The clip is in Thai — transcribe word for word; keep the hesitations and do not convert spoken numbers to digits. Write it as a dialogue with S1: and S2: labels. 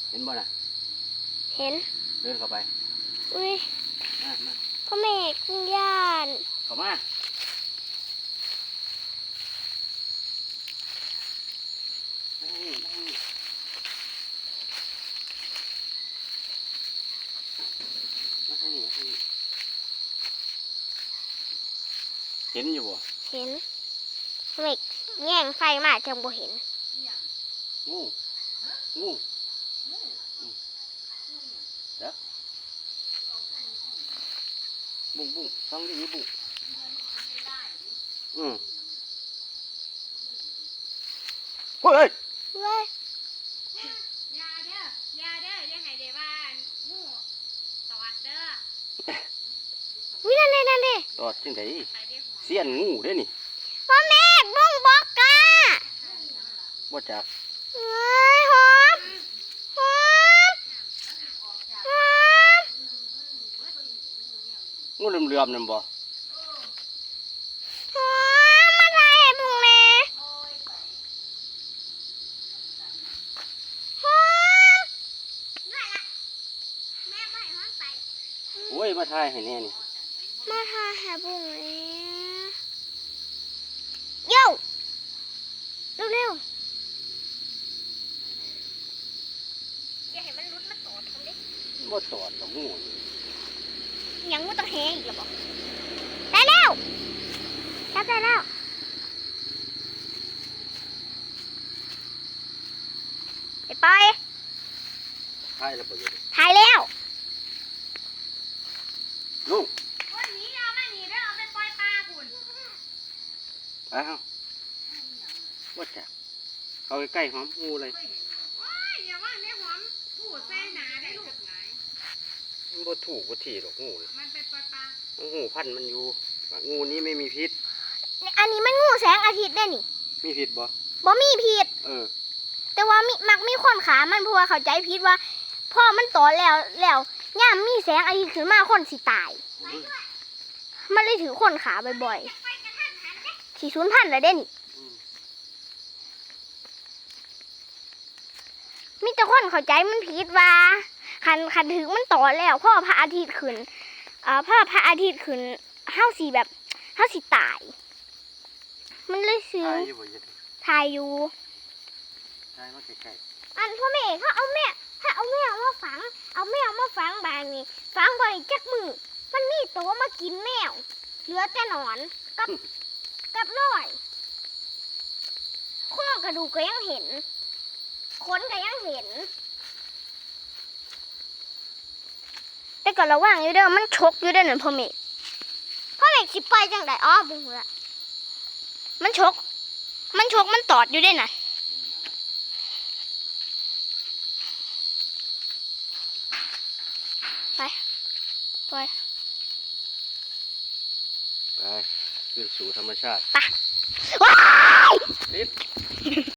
S1: เห็นบ่น่ะ
S2: เห็น
S1: เดินเข้าไป
S2: อุ้ย
S1: มามา
S2: พ่อแม่กินย่าน
S1: เข้ามาเห็นอยู่บ่
S2: เห็นพ่อแม่แย่งไฟมาจังบ่เห็น
S1: งูงูเด้อบุ้งบุ้งฟังดีบุ้งอืมเฮ้ย
S2: เว้ย
S3: ยาเด้อยาเด้อยังไงเด้ว่างูตอดเด้อ
S2: วินั่นเลยนั่นเลย
S1: ตอดจังไดเสี้ยนงูเด้นี่
S2: พ่อแม่บุ้งบอกกา
S1: บ่จัก
S2: เฮ้ยหอมหอมหอม
S1: งูเหลื่อมๆนั่นบ่
S2: หอมมาถ่ายให้บุ้งแม่หอมแม่ไม่หอมไป
S1: โอ้ยมาถ่ายให้แน่นี่
S2: มาถ่ายให้บุ้งแม่โย่เร็วๆอย่าให้มันรุดมาตอดทำดิ
S1: บ่ตอดดอกงู
S2: ยังงูต้องแหอีกหรอบอกได้แล้วจับได้แล้วไปไป
S1: ถ่ายแล้วบ่อยู่
S2: ถ่ายแล้ว
S1: ลุง
S3: วันนี้เอามาหนีเด้อเอาไปปล่อยปลาคุณ
S1: อ้าวบ่จักเข้าใกล้ๆหอมงูเลย
S3: ว้ายอย่าว่าแม่หอมพูดใส่หนาได้ลูกไหน
S1: มันบ่ถูกบ่ถี่หรอกงูเลย
S3: มันเป็นปลาปลา
S1: งูพันธุ์มันอยู่งูนี้ไม่มีพิษ
S2: อันนี้มันงูแสงอาทิตย์ได้นี่
S1: มีพิษบ่
S2: บ่มีพิษ
S1: เออ
S2: แต่ว่ามีมักมีคนขามันเพราะว่าเข้าใจพิษว่าพ่อมันโตแล้วแล้วย่ามมีแสงอาทิตย์ขึ้นมาคนสิตายมันเลยถือคนขาบ่อยๆสี่ศูนย์พันเลยเด้นี่มีแต่คนเข้าใจมันผิดว่าคันคันถึงมันต่อแล้วพ่อพระอาทิตย์ขึ้นอ่าพ่อพระอาทิตย์ขึ้นเฮาสีแบบเฮาสีตายมันเลยซื้อทายอยู่
S1: ทายมาใกล้
S2: ๆอันพ่อแม่เขาเอาแม่ถ้าเอาแมวมาฝังเอาแมวมาฝังบางนี่ฝังบ่อยจักมือมันมีตัวมากินแมวเหลือแต่หนอนกับกับน้อยโครงกระดูกก็ยังเห็นขนก็ยังเห็นแต่ก็ระวังอยู่เด้อมันชกอยู่เด้อนั่นพ่อเมฆพ่อเมฆสิไปจังไดอ๋อบุ้งละมันชกมันชกมันตอดอยู่เด้อน่ะไปไป
S1: ไปขึ้นสู่ธรรมชาติ
S2: ไปว้าย
S1: นิด